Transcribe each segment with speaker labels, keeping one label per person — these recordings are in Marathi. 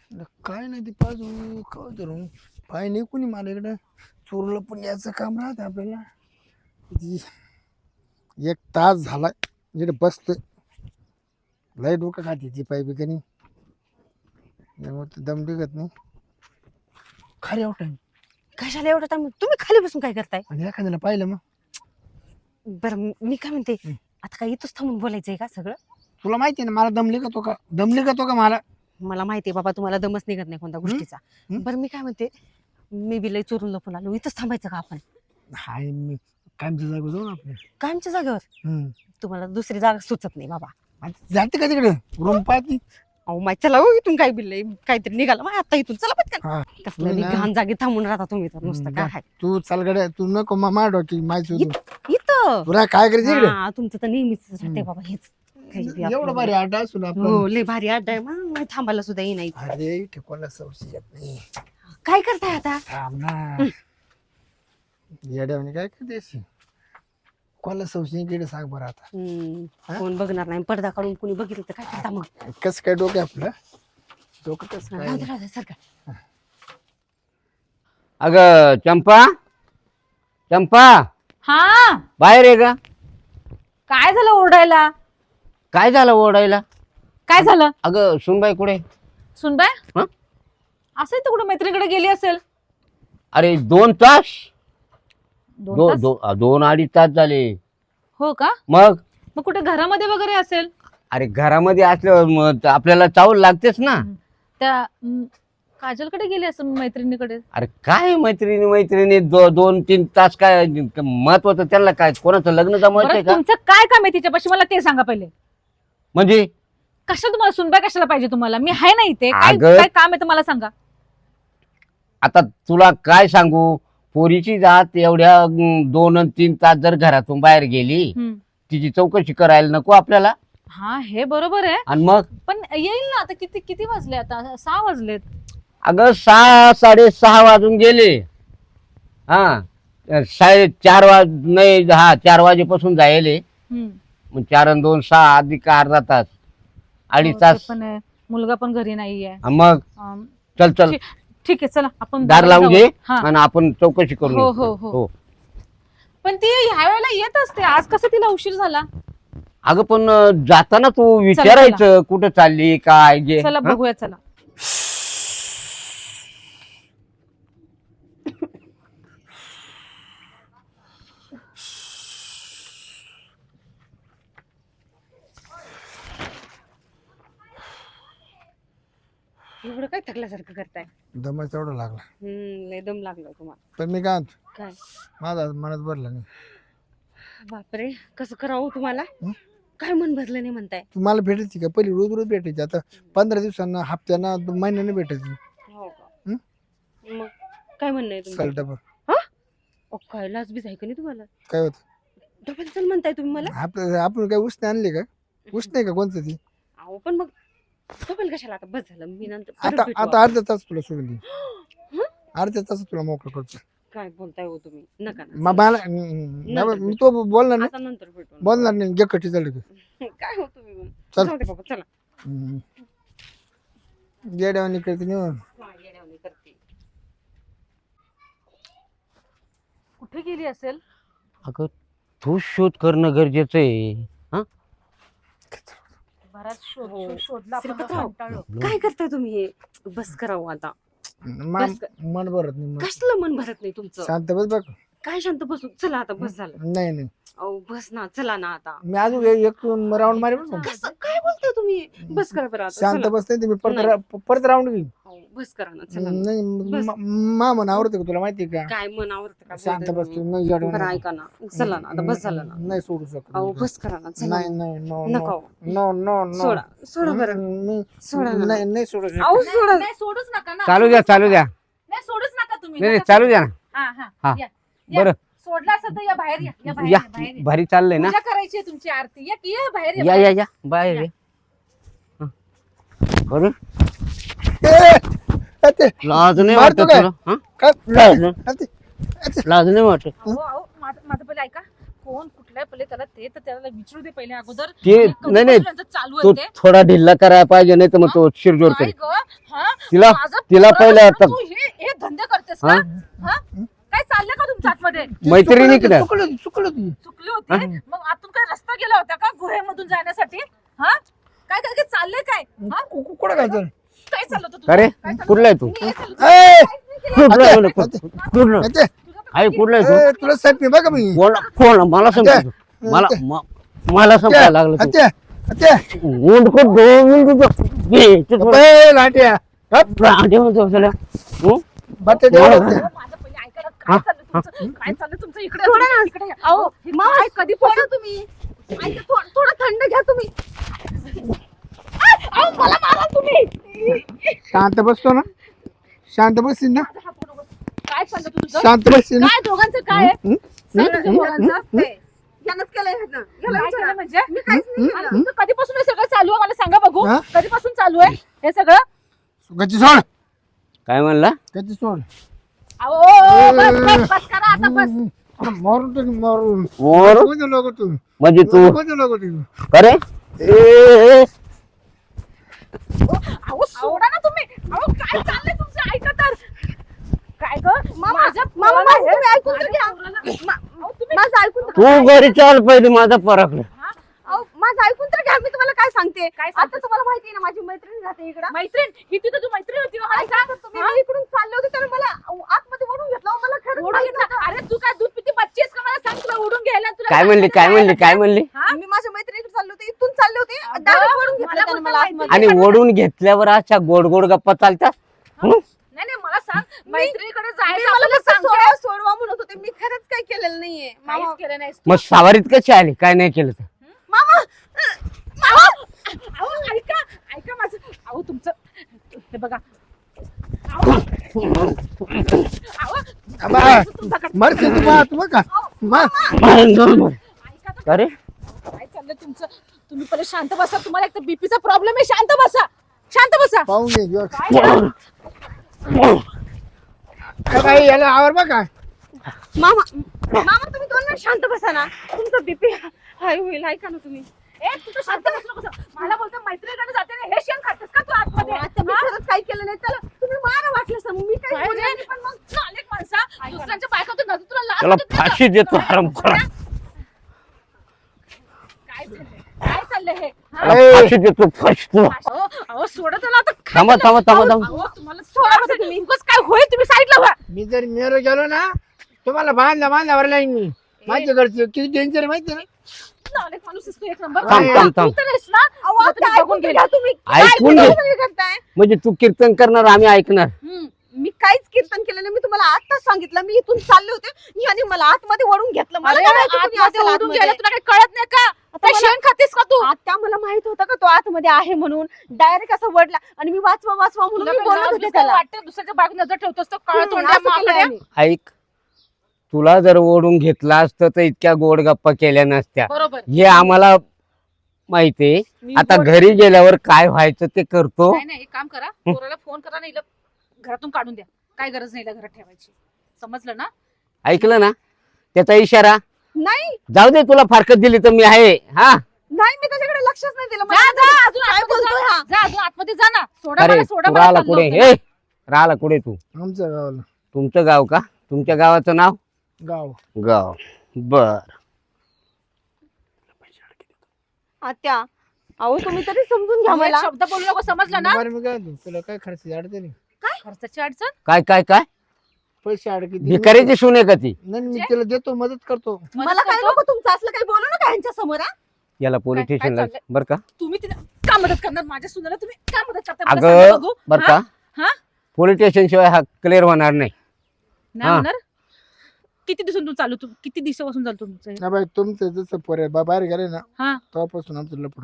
Speaker 1: काय नाही ते पाजू काय धरून पाय नाही कोणी मला इकडं चोरलं पण याचं काम राहतं आपल्याला. एक तास झाला इकडे बसतोय लय डोकं खाते ती पाय बिकानी त्यामुळे दम निघत नाही खरे टाइम.
Speaker 2: कशाला एवढा टाइम तुम्ही खाली बसून काय करताय?
Speaker 1: आणि एखाद्याला पाहिलं मग
Speaker 2: बरं मी काय म्हणते आता काय इथंच थांबून बोलायचंय का सगळं?
Speaker 1: तुला माहिती आहे ना मला दम निघतो का मला.
Speaker 2: मला माहितीये बाबा तुम्हाला दमच निघत नाही कोणत्या गोष्टीचा. बरं मी काय म्हणते मी बी लय चोरून लपून आलो इथंच थांबायचं का आपण?
Speaker 1: हाय मी कायमच्या जागा जाऊ ना आपल्या
Speaker 2: कायमच्या जागेवर? तुम्हाला दुसरी जागा सुचत नाही बाबा.
Speaker 1: जाते का तिकडे रूम पाहती.
Speaker 2: अहो माहिती चला हो इथून काय बिल काहीतरी निघाला मग आता इथून चला पटकन. कसलं
Speaker 1: तू ना-
Speaker 2: घाण जागी थांबून राहता तुम्ही तर नुसतं काय आहे.
Speaker 1: तू चाल गड्या तू नको मार डोकी माहिती
Speaker 2: इथं
Speaker 1: तुला काय करायचं इकडे.
Speaker 2: हा, तुमचं तर नेहमीच राहते बाबा हेच काही बी
Speaker 1: एवढं
Speaker 2: आपलं.
Speaker 1: भारी अड्डा असून आपण
Speaker 2: हो लय भारी अड्डा आहे मग थांबायला सुद्धा ये नाही.
Speaker 1: अरे इथे कोणाला संशय येत नाही.
Speaker 2: काय करताय आता?
Speaker 1: थांब ना येड्यावानी काय करते कोणाला संशय गेले सांग बरं आता.
Speaker 2: कोण बघणार नाही पडदा काढून कोणी बघितलं तर काय करता मग?
Speaker 1: कसं काय डोकं आपलं डोकं कसं काय.
Speaker 2: राहू दे, राहू दे, सारखं.
Speaker 3: अगं चंपा चंपा
Speaker 4: हा
Speaker 3: बाहेर आहे का?
Speaker 4: काय झालं ओरडायला?
Speaker 3: काय झालं ओरडायला?
Speaker 4: काय झालं?
Speaker 3: अगं सुनबाई कुठे?
Speaker 4: सुनबाय
Speaker 3: हं?
Speaker 4: असेल तर कुठे मैत्रिणीकडे गेली असेल.
Speaker 3: अरे 2 तास
Speaker 4: दोन तास?
Speaker 3: 2-2.5 तास झाले.
Speaker 4: हो का?
Speaker 3: मग
Speaker 4: मग कुठे घरामध्ये वगैरे असेल.
Speaker 3: अरे घरामध्ये असल्यावर मग आपल्याला चावल लागतेच ना.
Speaker 4: त्या काजलकडे गेली असेल मैत्रिणीकडे.
Speaker 3: अरे काय मैत्रिणी 2-3 तास काय महत्वाचं त्यांना काय कोणाचं लग्न जमवायचंय
Speaker 4: बरं,
Speaker 3: का?
Speaker 4: तुमचं काय काम आहे तिच्यापाशी मला ते सांगा पहिले.
Speaker 3: म्हणजे
Speaker 4: कशा तुम्हाला सुनबाय कशाला पाहिजे तुम्हाला? मी आहे ना इथे. काय
Speaker 3: अगं-
Speaker 4: काय काम आहे तर मला सांगा.
Speaker 3: आता तुला काय सांगू पोरीची जात एवढ्या 2-3 तास जर घरातून बाहेर गेली तिची चौकशी करायला नको आपल्याला.
Speaker 4: हा हे बरोबर आहे
Speaker 3: आणि मग
Speaker 4: पण येईल ना आता. किती वाजले आता? 6 वाजलेत.
Speaker 3: अगं 6-6:30 वाजून गेले. हा 4:30 नाही 4 वाजेपासून जायले. मग 4 आणि 2 6 अधिक अर्धा तास 2.5
Speaker 4: हो,
Speaker 3: तास.
Speaker 4: ते पण आहे. मुलगा पण घरी नाहीये.
Speaker 3: हा, मग
Speaker 4: अं,
Speaker 3: चल
Speaker 4: ठीक आहे चला आपण
Speaker 3: दार
Speaker 4: बाहेर
Speaker 3: लावून
Speaker 4: जाऊ.
Speaker 3: घे
Speaker 4: हा.
Speaker 3: आणि आपण चौकशी करू.
Speaker 4: हो, हो, हो. पण ती ह्या वेळेला येत असते. आज कसं तिला उशीर झाला?
Speaker 3: अगं पण जाताना तू विचारायचं कुठं चालली काय गे.
Speaker 4: चला
Speaker 3: हा?
Speaker 4: बघूया चला.
Speaker 2: एवढं काय थकल्यासारखं करताय?
Speaker 1: दमाच एवढा लागला.
Speaker 2: लय दम लागला तुम्हाला.
Speaker 1: पण मी काय म्हणतो,
Speaker 2: काय
Speaker 1: माझा मनात भरला नाही.
Speaker 2: बापरे कसं करावं तुम्हाला? काय मन भरलं नाही म्हणताय?
Speaker 1: तू मला भेटायची का पहिली रोज भेटायची आता 15 दिवसांना हप्त्याना महिन्याने भेटायची.
Speaker 2: हो का? मग काय म्हणणं आहे तुमचं?
Speaker 1: चल डबा
Speaker 2: काय लाज बीज आहे का नाही तुम्हाला?
Speaker 1: काय होत
Speaker 2: डबल चल म्हणताय तुम्ही मला?
Speaker 1: आपण काय उसने आणले का उस नाही का कोणतं ती.
Speaker 2: अहो पण मग डबल कशाला? आता बस झालं मी नंतर परत
Speaker 1: आता
Speaker 2: भेटू
Speaker 1: आता अर्धा तास तुला सोडून दे. अर्ध्या तास तुला मोकळं करतो.
Speaker 2: काय बोलताय हो तुम्ही? नका ना.
Speaker 1: मला मी तो बोलणार नाही
Speaker 2: आता नंतर भेटू.
Speaker 1: बोलणार नाही घे कटी चालू
Speaker 2: काय हो तुम्ही मग?
Speaker 1: चल.
Speaker 2: जाऊ दे बाबा चला.
Speaker 1: जेड्यावानी करते निवड.
Speaker 2: हा, येड्यावानी करते.
Speaker 4: कुठे गेली असेल?
Speaker 3: अगं तू शोध करणं गरजेचं आहे. हा
Speaker 4: बराच
Speaker 2: हो.
Speaker 4: शोधला आपण
Speaker 2: श्रीपतराव.
Speaker 4: कंटाळलो.
Speaker 2: काय करताय तुम्ही हे? बस करावं आता. बस कर.
Speaker 1: मन भरत नाही मग.
Speaker 2: कसलं मन भरत नाही तुमचं?
Speaker 1: शांत बस बघ.
Speaker 2: काय शांत बसून? चला आता बस झालं.
Speaker 1: नाही नाही
Speaker 2: अहो बस ना चला ना आता.
Speaker 1: मी अजून एक राऊंड मारे बरं का.
Speaker 2: कसं काय बोलताय तुम्ही? बस करा बरं आता.
Speaker 1: शांत
Speaker 2: चला.
Speaker 1: बस नाही तुम्ही परत राऊंड घेईन.
Speaker 2: अहो, बस करा ना चला ना.
Speaker 1: नाही
Speaker 2: बस.
Speaker 1: मा मन आवडतं का तुला माहिती का.
Speaker 2: काय मन आवडतं का?
Speaker 1: शांत
Speaker 2: बोलताय
Speaker 1: बस तू
Speaker 2: तुम्ही?
Speaker 1: नाही जडवून.
Speaker 2: बरं ऐका ना. चला ना आता बस झालं ना.
Speaker 1: नाही सोडू शकत.
Speaker 2: अहो बस करा ना चला.
Speaker 1: नाही नाही नो
Speaker 2: नको.
Speaker 1: नो नो नो
Speaker 2: सोडा सोडा बरं.
Speaker 1: मी
Speaker 2: सोडा ना.
Speaker 1: नाही नाही सोडू शकत.
Speaker 2: अहो सोडा.
Speaker 4: नाही सोडूच नका ना.
Speaker 3: चालू द्या
Speaker 4: नाही सोडूच नका तुम्ही.
Speaker 3: नाही
Speaker 4: नका
Speaker 3: चालू द्या ना.
Speaker 4: हा हा
Speaker 3: हा.
Speaker 4: या, या.
Speaker 3: बरं
Speaker 4: सोडला असेल तर या बाहेर या. या बाहेर
Speaker 3: या
Speaker 4: या, बाहेर या.
Speaker 3: भारी चाललंय ना.
Speaker 4: पूजा करायची आहे तुमची आरती. या बाहेर या,
Speaker 3: या
Speaker 4: बाहेर.
Speaker 3: या या बाहेर ये. हा. बरं लाज नाही
Speaker 1: मारतो
Speaker 3: वाटत
Speaker 1: काय?
Speaker 3: तुला? हा?
Speaker 1: काय?
Speaker 3: लाज
Speaker 1: अरे,
Speaker 3: लाज नाही वाटत.
Speaker 4: अहो, अहो, माझं पहिलं ऐका. कोण कुठल्या पहिले त्याला ते तर त्याला विचारू दे पहिले अगोदर
Speaker 3: ते
Speaker 4: कधीपासून
Speaker 3: नाही
Speaker 4: यांचं चालू
Speaker 3: तू
Speaker 4: आहे ते
Speaker 3: थोडा ढिल्ला करायला पाहिजे नाही तर मग तो शिरजोर
Speaker 4: काय
Speaker 3: करेल
Speaker 4: ग हा
Speaker 3: तिला
Speaker 4: माझं
Speaker 3: तिला
Speaker 4: पोरं
Speaker 3: पहिलं
Speaker 4: असताना
Speaker 3: आता
Speaker 4: तू हे धंदे करतेस का हा काय चाललंय का तुमच्या आतमध्ये
Speaker 3: मैत्रिणी की नाही?
Speaker 1: चुकलं ती
Speaker 4: चुकली होती मग आतून काय रस्ता गेला होता का गुहेमधून जाण्यासाठी हा काय काय काय चाललंय काय हा
Speaker 1: कुठं काय झालं
Speaker 4: काय चाललं होतं तुझं?
Speaker 3: अरे
Speaker 4: काय चाललं?
Speaker 3: कुठला आहे तू
Speaker 4: काय चाललं होतं?
Speaker 1: ए,
Speaker 3: कुठला आहे?
Speaker 1: अते,
Speaker 3: कुठला
Speaker 1: अते,
Speaker 3: आहे कुठला आहे तू
Speaker 1: ए, तुला साहेब मी बघा मी
Speaker 3: कोण मला समजतो मला संपायला लागलं तू
Speaker 1: अत्या अत्या
Speaker 3: ऊंट को 2 मिनिट
Speaker 1: ए, लाट्या बट्टे देऊ
Speaker 4: माझं पहिले ऐका ना, काय चाललं तुमचं? काय चाललं तुमचं इकडे
Speaker 2: सोडा ना.
Speaker 4: इकडे या.
Speaker 2: अहो
Speaker 4: हे
Speaker 2: मामा
Speaker 4: काय कधी
Speaker 2: सोडा तुम्ही ऐका, थोडं थंड घ्या तुम्ही.
Speaker 4: अहो, मला मारा तुम्ही
Speaker 1: शांत बसतो ना शांत बसशील ना
Speaker 4: काय चाललं तुझं
Speaker 1: शांत बसशील ना
Speaker 4: काय दोघांचं काय आहे? काय तुझ्या दोघांचं?
Speaker 2: यानंच केलंय ह्यानं. याला
Speaker 4: काय
Speaker 2: विचारा.
Speaker 4: केलं म्हणजे
Speaker 2: मी काहीच नाही केलं.
Speaker 4: तुमचं कधीपासून हे सगळं चालू आहे मला सांगा बघू
Speaker 1: हा?
Speaker 4: कधीपासून चालू आहे हे सगळं
Speaker 1: गच्ची सोड
Speaker 3: काय म्हणला
Speaker 1: गच्ची सोड
Speaker 4: अहो बस करा आता बस
Speaker 1: मारून टाक मारून
Speaker 3: मोर
Speaker 1: कोणते लोक तू
Speaker 3: म्हणजे तू
Speaker 1: कोणते लोक तू
Speaker 3: अरे
Speaker 4: अहो सोडा ना तुम्ही अहो काय चाललंय तुमचं ऐका तर काय ग
Speaker 2: मामा
Speaker 4: माझ्या
Speaker 2: मामा
Speaker 4: पोराला
Speaker 2: माझं तुम्ही ऐकून तर
Speaker 4: माझ्या
Speaker 2: घ्या.
Speaker 4: पोराला- अहो, तुम्ही
Speaker 2: माझं ऐकून तर
Speaker 3: तू घरी चाल पहिले माझा परकलं
Speaker 4: हा?
Speaker 2: अहो, माझं ऐकून तर घ्या. मी तुम्हाला काय सांगते
Speaker 4: काय
Speaker 2: आता
Speaker 4: सांगतेस?
Speaker 2: तुम्हाला माहिती आहे ना माझी मैत्रीण राहते इकडं
Speaker 4: मैत्रीण ही तिथं तू मैत्रीण होती ना, मला
Speaker 2: ऐका
Speaker 4: सांग
Speaker 2: तर तुम्ही मी इकडून चालले होते त्याने मला आतमध्ये ओढून घेतलं अहो, मला खरंच
Speaker 4: ओढून
Speaker 2: माहित
Speaker 4: घेतला अरे तू काय दूध पिती बच्ची आहेस का मला सांग तुला ओढून घ्यायला तुला
Speaker 3: काय म्हणली काय म्हणली काय म्हणली
Speaker 4: हा?
Speaker 2: मी माझ्या मैत्रिणीकडे चालले होते इथून चालले होते
Speaker 4: अगं,
Speaker 2: डायरेक्ट ओढून घेतलं
Speaker 4: मला
Speaker 2: त्याने
Speaker 4: पण
Speaker 2: मला
Speaker 4: माहिती
Speaker 2: आतमध्ये.
Speaker 3: आणि ओढून घेतल्यावर अशा गोड गोड गप्पा चालतात हं?
Speaker 4: नाही नाही मला सांग मैत्रिणीकडे
Speaker 2: मी
Speaker 4: जायचं
Speaker 2: मला
Speaker 4: आपल्याला
Speaker 2: फक्त
Speaker 4: सांग
Speaker 2: सोडवा सोडवा म्हणत होते मी खरंच काही केलेलं नाहीये
Speaker 4: काहीच
Speaker 2: मामा
Speaker 4: केलं नाहीस
Speaker 3: मग सावारीत कशी आली काय नाही केलं तर
Speaker 2: मामा
Speaker 4: अहो ऐका ऐका माझं अहो तुमचं हे बघा अहो
Speaker 1: मरते तू बा तू का
Speaker 4: ऐका तर
Speaker 3: अरे
Speaker 4: काय चाललंय तुमचं तुम्ही पहिले शांत बसा तुम्हाला एक तर बीपीचा प्रॉब्लेम आहे शांत बसा
Speaker 1: पाहून घे ह्यो.
Speaker 4: काय
Speaker 1: काय बाई, याला आवर बघा
Speaker 2: मामा मामा तुम्ही 2 मिनिट शांत बसा ना तुमचं बीपी हाय होईल ऐका ना तुम्ही
Speaker 4: ए तू तर शांत बस नको. मला बोलतो मैत्रिणीकडे जाते ना हे शेण खातेस का तू आतमध्ये
Speaker 2: आता मी खरंच काही केलं नाही त्याला तुम्ही मारा वाटलं सर मी काही
Speaker 4: काय
Speaker 2: बोलले
Speaker 4: रे?
Speaker 2: नाही, पण मग
Speaker 4: चालेल माणसा दुसऱ्यांच्या बायकातून नजर तुला लाज
Speaker 3: त्याला
Speaker 4: वाटत नाही का?
Speaker 3: फाशी देतो हरामखोरा
Speaker 4: काय चाललंय हे हा?
Speaker 3: त्याला फाशी देतो फाशी
Speaker 4: अहो अहो सोडा त्याला आता काय
Speaker 3: थांबा
Speaker 4: झालं?
Speaker 3: थांबा थांबा थांबा
Speaker 4: अहो तुम्हाला सोडा बसा तुम्ही उगाच काय होईल तुम्ही साईडला व्हा
Speaker 1: मी जर मेरो गेलो ना तुम्हाला बांधल्यावर लाईन मी माझ्या घरचे किती डेंजर माहिती ना
Speaker 4: चालेल माणूस असतो एक नंबर
Speaker 3: थांब, थांब, थांब.
Speaker 4: तू तर आहेस ना
Speaker 2: अहो,
Speaker 4: तुला
Speaker 2: आता
Speaker 4: तुम्ही
Speaker 2: ऐकून
Speaker 4: बघून
Speaker 2: तर
Speaker 4: गेले.
Speaker 2: घ्या तुम्ही
Speaker 3: ऐकून
Speaker 2: काय
Speaker 3: घे.
Speaker 2: तुम्ही करताय
Speaker 3: म्हणजे तू कीर्तन करणार आम्ही ऐकणार
Speaker 2: मी काहीच कीर्तन केलं नाही मी तुम्हाला आताच सांगितलं मी इथून चालले होते आणि मला आतमध्ये वळून घेतलं मला
Speaker 4: अरे
Speaker 2: काय माहिती कुणी
Speaker 4: आतमध्ये
Speaker 2: असेल
Speaker 4: ओढून
Speaker 2: आतमध्ये.
Speaker 4: गेला तुला काही कळत नाही का काय
Speaker 2: मला-
Speaker 4: शेण खातेस का तू
Speaker 2: आता मला माहित होतं का तो आतमध्ये आहे म्हणून डायरेक्ट असं वडला आणि मी वाचवा म्हणून
Speaker 4: तुला
Speaker 2: मी
Speaker 4: काही
Speaker 2: बोलत
Speaker 4: लाज
Speaker 2: होते
Speaker 4: बिज
Speaker 2: त्याला
Speaker 4: वाटतं दुसऱ्याच्या बाग नजर ठेवतोस तो काळ तोंड्या
Speaker 2: असं केलंय
Speaker 4: माकड्या.
Speaker 2: आम्ही.
Speaker 3: ऐक तुला जर ओढून घेतला असतं तर इतक्या गोड गप्पा केल्या नसत्या
Speaker 4: बरोबर
Speaker 3: हे आम्हाला माहितीये
Speaker 4: मी
Speaker 3: आता
Speaker 4: बोल-
Speaker 3: घरी गेल्यावर काय व्हायचं ते करतो
Speaker 4: नाही नाही एक काम करा पोराला फोन करा नाही घरातून काढून द्या काय गरज नाही घरात ठेवायची समजलं ना
Speaker 3: ऐकलं ना त्याचा इशारा
Speaker 2: नाही
Speaker 3: जाऊ दे तुला फारकत दिली तर मी आहे हा
Speaker 2: नाही मी त्याच्याकडे लक्षच नाही दिलं
Speaker 4: जा
Speaker 2: मला
Speaker 4: जा अजून
Speaker 2: काय
Speaker 4: आतमध्ये
Speaker 2: बोलतोय
Speaker 4: जा.
Speaker 2: हा?
Speaker 4: जा अजून आतमध्ये जा ना सोडा
Speaker 3: अरे
Speaker 4: मला सोडा
Speaker 3: तू
Speaker 4: मला
Speaker 3: राहिला
Speaker 4: चाललं
Speaker 3: कुठे
Speaker 4: होतं.
Speaker 3: हे राहिला कुठे तू
Speaker 1: आमच्या गावाला
Speaker 3: तुमचं गाव का तुमच्या गावाचं नाव
Speaker 1: गाव
Speaker 3: गाव बर
Speaker 2: आत्या अहो तुम्ही तरी समजून घ्या
Speaker 4: त्यामुळे एक
Speaker 2: मला
Speaker 4: शब्द बोलू नको समजलं ना
Speaker 1: बरं मी काय म्हणतो, तुला काय खर्च अडचण नाही
Speaker 4: खर्चाची अडचण
Speaker 3: काय काय काय
Speaker 1: पैसे अडकी
Speaker 3: भिकारीची सून आहे का ती
Speaker 1: नाही मी तिला देतो मदत करतो
Speaker 2: मला काय नको तुमचं असलं काही बोलू नका यांच्या समोर हा?
Speaker 3: याला पोलीस
Speaker 4: काय
Speaker 3: स्टेशनला
Speaker 4: चाललंय?
Speaker 3: बर का
Speaker 4: तुम्ही तिला का मदत करणार माझ्या सुनाला तुम्ही का मदत करता मला
Speaker 3: अगं
Speaker 4: सांगा बघू.
Speaker 3: बर
Speaker 4: हा?
Speaker 3: का
Speaker 4: हा?
Speaker 3: पोलीस स्टेशन शिवाय हा क्लिअर होणार नाही
Speaker 4: नाही
Speaker 3: हा.
Speaker 4: होणार किती दिवसांतून चालू किती दिवसापासून चालू तुमचं हे?
Speaker 1: ना बाई तुमचं जसं पोरे बाहेर गेले ना
Speaker 4: हा
Speaker 1: तेव्हापासून आमचं लपड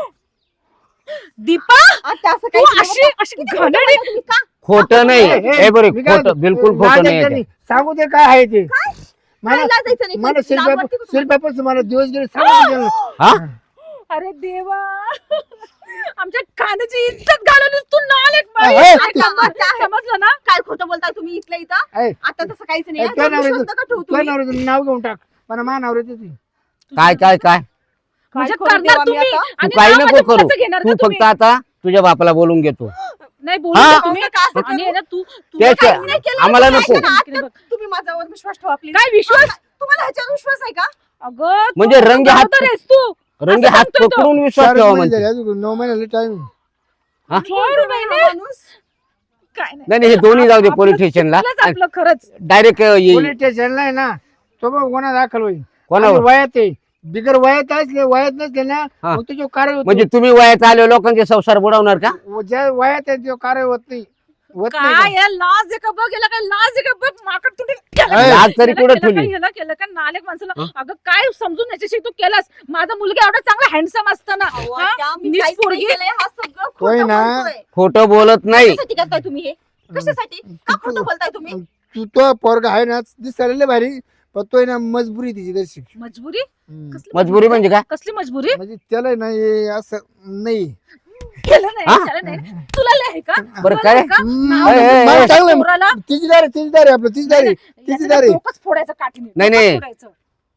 Speaker 4: दीपा
Speaker 2: आत्या असं
Speaker 4: तू
Speaker 2: काही केलं
Speaker 4: अशी
Speaker 2: नका.
Speaker 4: अशी
Speaker 2: किती
Speaker 4: घाणेरडी-
Speaker 2: खोटं बोलता तुम्ही का?
Speaker 3: खोटं नाही
Speaker 1: ए, ए,
Speaker 3: हे बरे
Speaker 1: मी काय
Speaker 3: खोटं
Speaker 1: म्हणतो,
Speaker 3: बिलकुल खोटं
Speaker 1: लाजायचं
Speaker 3: नाही
Speaker 1: नाही. सांगू दे काय आहे ते मला
Speaker 2: काय लाजायचं नाही?
Speaker 1: मला
Speaker 2: लाज वाटते का तुम्हाला?
Speaker 1: शिल्पापासून मला दिवस गेले सांगू दे.
Speaker 3: हा
Speaker 4: अरे देवा आमच्या खाण्याची इज्जत घालवलीस तू नालेक बाई.
Speaker 1: ए,
Speaker 4: ऐका, समजलं ना
Speaker 2: काय खोटं बोलताय तुम्ही इथल्या इथं
Speaker 1: ए,
Speaker 2: आता तसं काहीच नाही
Speaker 1: ए,
Speaker 2: हा.
Speaker 1: तुझ्या
Speaker 2: तुम्ही
Speaker 1: नवऱ्याचं-
Speaker 2: शब्द का ठेवू
Speaker 1: तुझ्या
Speaker 2: तुम्ही?
Speaker 1: नवऱ्याचं नाव घेऊन टाक मला मा नवऱ्याचं ते
Speaker 3: काय काय काय
Speaker 4: म्हणजे
Speaker 2: करू
Speaker 4: करणार
Speaker 2: देवा मी
Speaker 4: तुम्ही
Speaker 2: आता?
Speaker 3: तू
Speaker 4: आणि
Speaker 3: काही
Speaker 4: नाव
Speaker 3: नको
Speaker 4: माझ्या
Speaker 3: करू
Speaker 4: मुलाचं घेणार
Speaker 3: तू
Speaker 4: का
Speaker 3: फक्त
Speaker 4: तुम्ही?
Speaker 3: आता तुझ्या बापाला बोलून घेतो
Speaker 4: नाही बोलू
Speaker 3: हा?
Speaker 4: नका तुम्ही
Speaker 2: असं
Speaker 4: आणि आहे ना तू
Speaker 3: त्याच्या-
Speaker 4: काहीच नाही केलं.
Speaker 3: आम्हाला
Speaker 4: तू
Speaker 3: नको.
Speaker 4: काय करणार?
Speaker 2: तुम्ही माझ्यावर विश्वास ठेवा प्लीज.
Speaker 4: काय विश्वास
Speaker 2: तुम्हाला ह्याच्यावर विश्वास आहे का?
Speaker 4: अगं तू
Speaker 3: म्हणजे रंगे हात-
Speaker 4: बरोबर आहेस तू
Speaker 3: रंगे
Speaker 4: असं
Speaker 3: हात
Speaker 4: सांगतोय तो.
Speaker 3: पकडून विश्वास
Speaker 1: 4
Speaker 3: ठेवा
Speaker 1: महिने
Speaker 3: म्हणते
Speaker 1: झाले अजून 9 महिन्याला टाइम
Speaker 3: हा?
Speaker 4: 4 महिने
Speaker 2: माणूस
Speaker 4: काय नाही
Speaker 3: नाही नाही, हे दोन्ही जाऊ दे
Speaker 4: आपलं
Speaker 3: पोलीस स्टेशनला
Speaker 4: चुकलंच आपलं खरंच
Speaker 3: डायरेक्ट येईल
Speaker 1: पोलीस स्टेशनला आहे ना तो बघ गुन्हा दाखल होईल
Speaker 3: कोणावर
Speaker 1: आणि वयात आहे बिगर वयात असले वयात नसले ना
Speaker 3: हा.
Speaker 1: मग तो कारवाई होतो.
Speaker 3: म्हणजे तुम्ही वयात आले लोकांचे संसार बुडवणार का
Speaker 1: ज्या वयात आहे तो कारवाई होत नाही होत नाही
Speaker 4: काय याला लाज आहे का बघ याला काय लाज आहे का बघ माकड तुटे
Speaker 3: लाज तरी कुठं ठेवली?
Speaker 4: ह्याला केलं का नालेक माणसाला
Speaker 3: हं?
Speaker 4: अगं काय समजून याच्याशी तू केलास माझा मुलगा एवढा चांगला हँडसम असताना
Speaker 2: अहो,
Speaker 4: हा?
Speaker 2: त्या मी
Speaker 4: नीट
Speaker 2: काहीच नाही
Speaker 4: पोरगी.
Speaker 2: केलंय, हा सगळं
Speaker 1: होय
Speaker 2: खोटं
Speaker 1: ना.
Speaker 2: बोलतोय.
Speaker 3: खोटं बोलत नाही
Speaker 2: कशासाठी करताय तुम्ही हे? कशासाठी? का खोटं बोलताय तुम्ही?
Speaker 1: तू तो पोरगा आहे ना दिसायला लय भारी पण तो आहे ना मजबुरी तिची दर्शिक
Speaker 4: मजबुरी कसली
Speaker 3: मजबुरी म्हणजे काय
Speaker 4: कसली मजबुरी
Speaker 1: म्हणजे त्याला नाही असं नाही
Speaker 4: केलं नाही
Speaker 3: हा?
Speaker 4: त्याला नाही तुला लय आहे का
Speaker 3: बरं
Speaker 4: तुला
Speaker 3: काय?
Speaker 4: लय आहे का? नाव
Speaker 3: ए, ए, ए,
Speaker 1: मला
Speaker 3: ए.
Speaker 1: चांगलं
Speaker 4: पोराला
Speaker 1: तिचीदार आहे आपलं तिचीदार आहे
Speaker 4: याचं
Speaker 1: तिचीदार आहे
Speaker 4: डोकंच फोडायचं काठीने
Speaker 3: नाही, नाही.
Speaker 4: डोकंच फोडायचं.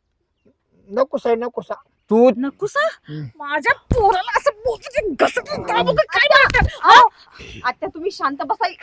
Speaker 1: नको साहेब नको सा
Speaker 3: तू
Speaker 4: नको सा
Speaker 1: हं.
Speaker 4: माझ्या पोराला असं बोलतो घसत दाबू का काय वाटतं? हा?
Speaker 2: आता तुम्ही शांत बसाय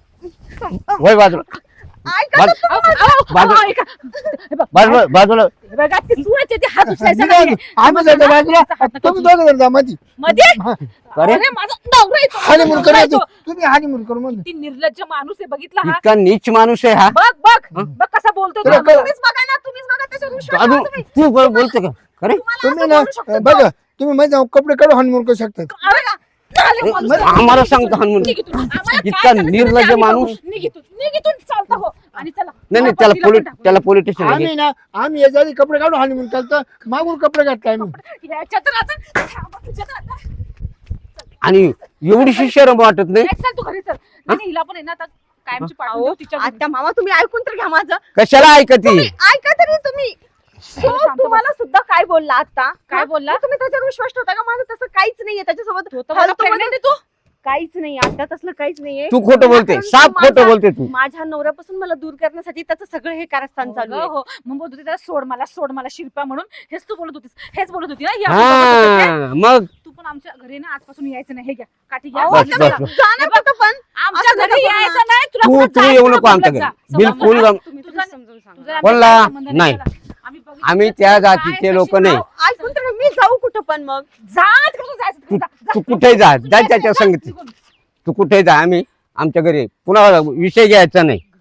Speaker 3: वय बाजूला
Speaker 2: ऐका
Speaker 3: बाज-
Speaker 4: अहो, अहो,
Speaker 3: बाजू-
Speaker 4: अहो, ऐका. हे बघ,
Speaker 3: बाजूला बाजूला
Speaker 4: हे बघा, ते सुवाचे ते हात उचलायचा नाहीये.
Speaker 1: आम्ही जातो बाजूला
Speaker 4: हात नका
Speaker 1: तुम्ही
Speaker 4: उचलू.
Speaker 1: दोघं जण जा मध्ये
Speaker 4: मध्ये
Speaker 3: अरे
Speaker 4: अरे माझा नवरा येतो, माझा
Speaker 1: हानिमून
Speaker 4: नवरा
Speaker 1: करा
Speaker 4: येतो.
Speaker 1: तुम्ही हानिमून करू म्हणून
Speaker 4: ती निर्लज्ज माणूस आहे बघितला हा
Speaker 3: इतका नीच माणूस आहे हा
Speaker 4: बघ बघ
Speaker 3: हं?
Speaker 4: बघ कसा बोलतोय
Speaker 1: तुला
Speaker 4: तो.
Speaker 1: कळ-
Speaker 2: तुम्हीच बघा ना, तुम्हीच बघा त्याच्यावर विश्वास
Speaker 3: अजून
Speaker 2: ठेवा तुम्ही.
Speaker 3: तू बोलतो का अरे
Speaker 2: तुम्हाला
Speaker 1: तुम्ही
Speaker 2: असं
Speaker 1: ना
Speaker 2: बोलू शकतो
Speaker 1: बघा तुम्ही मध्ये जाऊन कपडे काढून हानिमून करू शकतात
Speaker 4: अरे, नाले माणूस आहे.
Speaker 3: आम्हाला सांगतो हनुमान.
Speaker 4: निघ इथून. आम्हाला काय
Speaker 3: इतका
Speaker 4: करायचं ते
Speaker 3: निर्लज्ज
Speaker 4: आम्ही
Speaker 3: माणूस.
Speaker 4: बघू. निघ इथून. निघ इथून. चालतं हो आणि चला
Speaker 3: नाही नाही
Speaker 4: तिला पण टाकू.
Speaker 3: त्याला पोलीस स्टेशन
Speaker 1: आम्ही ना आम्ही याच्या आधी कपडे काढून हानिमून चालतो मागून कपडे काढतो आम्ही
Speaker 4: याच्या तर आता थांबा तुझ्या तर आता.
Speaker 3: आणि एवढीशी शरम वाटत नाही
Speaker 4: नाही, चल तू घरी चल नाही, नाही, हिला पण आहे ना आता कायमची पाठवून
Speaker 2: अहो,
Speaker 4: देऊ तिच्या घरी.
Speaker 2: आता मामा तुम्ही ऐकून तर घ्या माझं.
Speaker 3: कशाला ऐकती
Speaker 2: तुम्ही ऐका तरी तुम्ही. तो
Speaker 4: शांत बस.
Speaker 2: तुम्हाला सुद्धा काय बोलला आता?
Speaker 4: काय
Speaker 2: हा?
Speaker 4: बोलला?
Speaker 2: मग तुम्ही त्याच्यावर विश्वास ठेवता का? माझं तसं काहीच नाहीये त्याच्यासोबत.
Speaker 4: तो तर मला
Speaker 2: फालतूमध्ये-
Speaker 4: pregnant आहे तू.
Speaker 2: काहीच नाही आता तसलं काहीच नाहीये.
Speaker 3: तू खोटं बोलते
Speaker 2: माझा-
Speaker 3: साफ खोटं बोलते तू
Speaker 2: माझ्या नवऱ्यापासून मला दूर करण्यासाठी त्याचं सगळं हे कारस्थान चालू
Speaker 4: हो
Speaker 2: आहे.
Speaker 4: गं, हो मग बोलत होती त्याला सोड मला शिरपा म्हणून हेच तू बोलत होतीस हेच बोलत होती ना ही आपण बोलत होते.
Speaker 3: हा मग
Speaker 4: तू पण आमच्या घरी ना आजपासून यायचं नाही हे घ्या काठी घ्या
Speaker 2: अहो,
Speaker 3: बस,
Speaker 2: आता
Speaker 3: बस,
Speaker 2: मी
Speaker 3: बस.
Speaker 2: जाणार कुठं पण
Speaker 4: आमच्या
Speaker 2: असं
Speaker 4: घरी
Speaker 2: नका
Speaker 4: यायचं नाही तुला
Speaker 3: तू
Speaker 4: कुठं
Speaker 3: तू
Speaker 4: जायचं
Speaker 3: येऊ
Speaker 4: तुला
Speaker 3: नको आमच्या
Speaker 4: बोलत जा.
Speaker 3: घरी बिलकुल
Speaker 4: समजा,
Speaker 3: गम-
Speaker 2: तुम्ही
Speaker 4: तुझा-
Speaker 2: समजून सांगा.
Speaker 4: तुझा
Speaker 3: कोणला?
Speaker 4: आमच्या संबंध
Speaker 3: नाही.
Speaker 4: त्याला. आम्ही बघितलं
Speaker 3: आम्ही
Speaker 4: त्याचं
Speaker 3: त्या
Speaker 4: काय
Speaker 3: जातीचे
Speaker 4: कशी-
Speaker 3: लोक नाही
Speaker 4: अहो,
Speaker 2: ऐकून तर मी जाऊ कुठं पण मग.
Speaker 4: जा तिकडून जायचं तिकडून जा, जा.
Speaker 3: तू कुठे जा
Speaker 4: तू
Speaker 3: जा त्याच्या
Speaker 4: जा,
Speaker 3: संगती
Speaker 4: निघून.
Speaker 3: तू कुठे जा आम्ही आमच्या घरी पुन्हा विषय घ्यायचा नाही